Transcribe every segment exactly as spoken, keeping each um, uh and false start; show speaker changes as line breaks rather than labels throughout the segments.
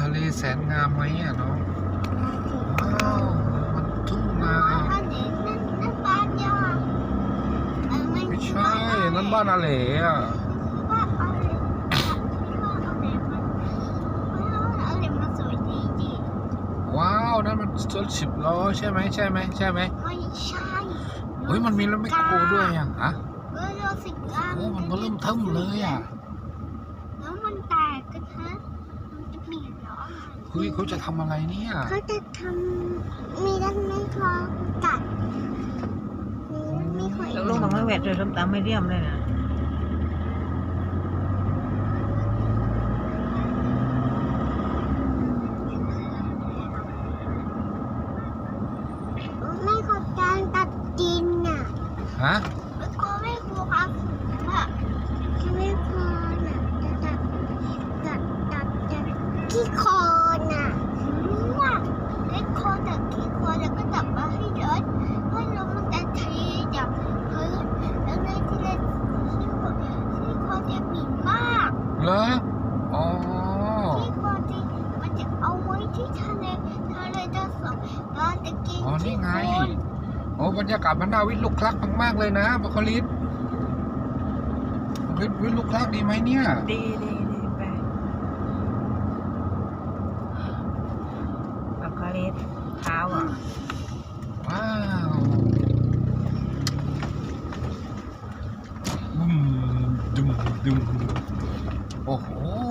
ะเลแสนงามไหมอ่ะน้องว้าวมันทุ่งนาไม่ใช่นั่นบ้านอาเหล่อะว้าวนั่นมันรถสิบล้อใช่ไหมใช่ไหมใช่ไหม
ไม่ใช่
เฮ้ยมันมีรถแมคโครด้วยอ่ะฮะ
เออรถสิบล้อ
โอ้มันก็เริ่มเทิมเลยอ่ะ
แล้วมันแตกกันฮะมันจะเปลี่ยนเหรอ
เฮ้ยเขาจะทำอะไรเนี่ย
เขาจะทำมีรถแมคโครกัดมีคน
แล้วลงมาไม่แหวกเลยส้มตำไม่เรียมเลยนะ
ไม่ขอการตัดดินน่ะ
ฮะ
แล้วก็ไม่ครัวครับอ่ะไม่พอน่ะจะตัดตัดตัดตัดขี้คอน่ะว่าขี้คอตัดขี้คอแล้วก็ตัดมาให้เยอะให้ลมมันจะทีจากพื้นแล้วในที่เล่นขี้คอขี้คอจะหมิ่นมาก
เหรออ๋อ
ขี้คอที่มันจะเอาไว้ที่ทะเลทะเลจะสองเราจะกินขี้คอ
โอ้บรรยากาศมันน่าวิลุกคลักมากๆเลยนะบคลิสวิวิลุกคลักดีไหมเนี่ย
ดีดีดีไปบคลิสเท้าอ่ะ
ว้าวบึ้มดุมดุมโอ้โห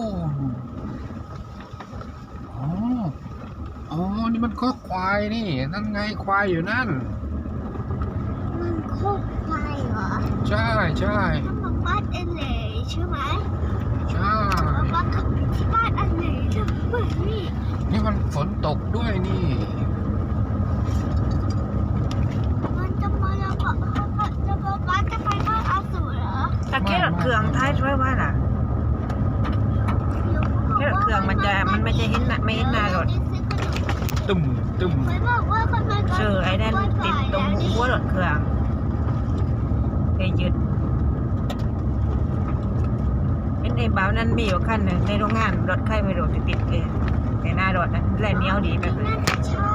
อ๋ออ๋อนี่มันก็ควายนี่นั่นไงควายอยู่นั่น
มันโคกควายเหรอ
ใช่ใช่
ถ้ามาบ้านเอเล่ใช่ไหม
ใช่
มาขับที่บ้านเอเล่ใช่ไหมนี่
นี่มันฝนตกด้วยนี่
มันจะมาแล้วก็จะมาบ้านจะไปบ้านอาสูรเหรอ
ตะเกียบเครื่องท้ายช่วยว่าน่ะแค่เครื่องมันจะมันไม่จะเห็นไม่เห็นหน้ารถ
ตึมตึม
เชื่อไอ้นั่นติดตรงหัวรถเครื่องไปยึดเป็นไอ้บ่าวนั้นมีอยู่ขั้นหนึ่งในโรงงานรถไข่ไม่รถติดเองในหน้ารถนั้นแล่นเหนียวดีแบบนี้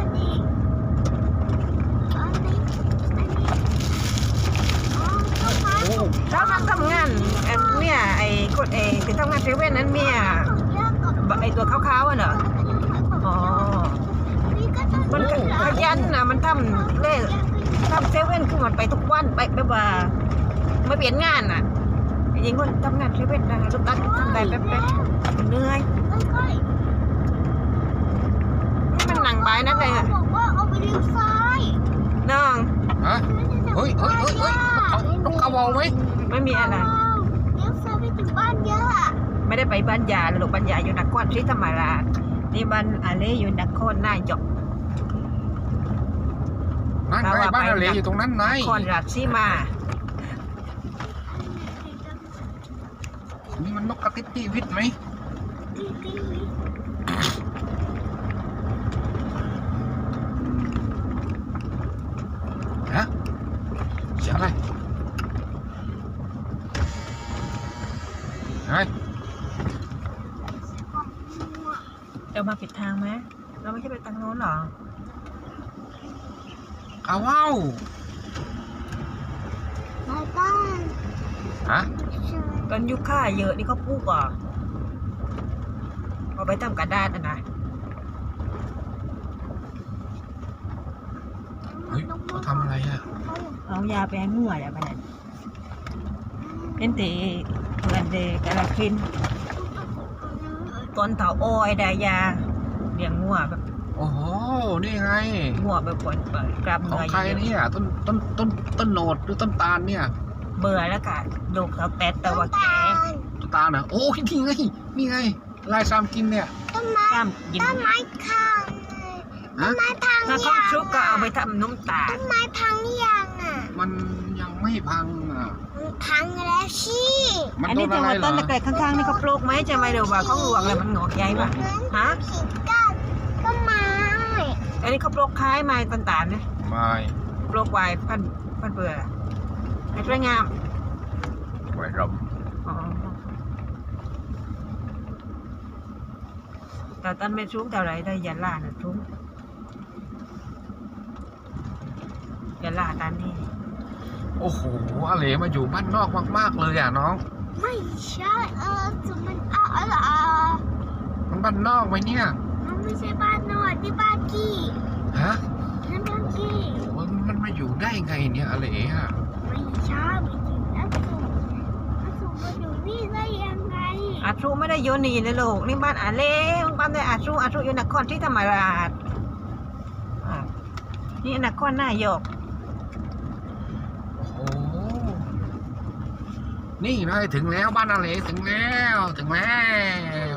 เขาทำทำงานเนี่ยไอ้คนไอ้ที่ทำงานเซเว่นนั้นเมียไอ้ตัวขาวๆอ่ะเนอะอ๋อมันขยันนะมันทำเล่ทำเซเว่นคือมันไปทุกวันไปแบบว่าไม่เปลี่ยนงานอ่ะยิงคนทำงานเซเว่นนะทุกวันทำได้แป๊บๆเหนื่อยมันหนังใบนั่นเลย
บอกว่าเอาไปเลี้ยวซ้าย
น้อง
ฮะเฮ้ยเฮ้ยเฮ้ยเฮ้ยนกกระวาวไหม
ไม่มีอะไร
เลี้ยวซ้ายไปถึงบ้านย่า
ไม่ได้ไปบ้านยาหรอกบ้านยาอยู่นครศรีธรรมราชนี่บ้านอะไรอยู่นครนายก
นั่นไงบ้านอะไรอยู่ตรงนั้นไง
นครราชสีมา
นี่มันนกกระติดตีวิทย์ไหมฮะเสียงอะไรไง
เรามาผิดทางไหมเราไม่ใช่ไปทางโน้นหรอ
อ้าวว้าว
มาบ้าน
ฮะ
ต้นยุค่าเยอะนี่เขาปลูกอ่ะเอาไปทำกระดาษนะ
เฮ้ยเขาทำอะไรอ่ะ
เอายาไปให้มั่วอย่าไปไหนเป็นตีเพื่อนเด็กกระคินต้นเถาอ้อยได้ยาเลี้ยงงัวแบบ
โอ้โหนี่ไง
งัวแบบปล่อยกลับเง
ยใครเนี่ยต้นต้นต้นต้นโหนดหรือต้นตาลเนี่ย
เบื่อแล้วกันลูกเขาแปดแต่ว่าแก่
ต้นตาลนะโอ้ยนี่ไงนี่ไงลายซามกินเนี่ย
ต้นไม้ต้นไม้พังต้นไม้พัง
ถ้าเขาชุบก็เอาไปทำน้ำตาล
ต้นไม้พังยังอ่ะ
มันยังไม่พังอ่ะ
พังแล้วสิ
อันนี้จะว่าต้นเล็กๆข้างๆนี่เขาปลูกไหมจะไม่ดูว่าเขาหลวงเลยมันงอกใหญ่ป่ะฮะ
ต้นไม้
อันนี้เขาปลูกคล้ายไม้ต้นตาลเนี่ย
ไม่
ปลูกไว้พันพันเบื่อไม่สวยงาม
ไว้รำ
แต่แต่ตอนไม่ชุ่มเท่าไรได้ยาลาน่ะชุ่มยาลาตอนนี้
โอ้โหอาเหลมาอยู่บ้านนอกมากๆเลยอ่ะน้อง
ไม่ใช่เออจุดมันอ่ะอะไรอ่ะ
มันบ้านนอกไหมเนี่ย
มันไม่ใช่บ้านนอนที่บ้านกี้
ฮะ
นั่นบ้านกี้
โอ้มันมาอยู่ได้ไงเนี่ยอาเหลอ่ะ
ไม่ใช่ไม่จริงนะสุอาสุมาอยู่นี่ได้ยังไง
อาชูไม่ได้โยนีเลยลูกนี่บ้านอาเล่บ้านในอาชูอาชูอยู่นครที่ธรรมราชอ่ะนี่นครนายก
โอ้โหนี่นายถึงแล้วบ้านอาเหลถึงแล้วถึงแล้ว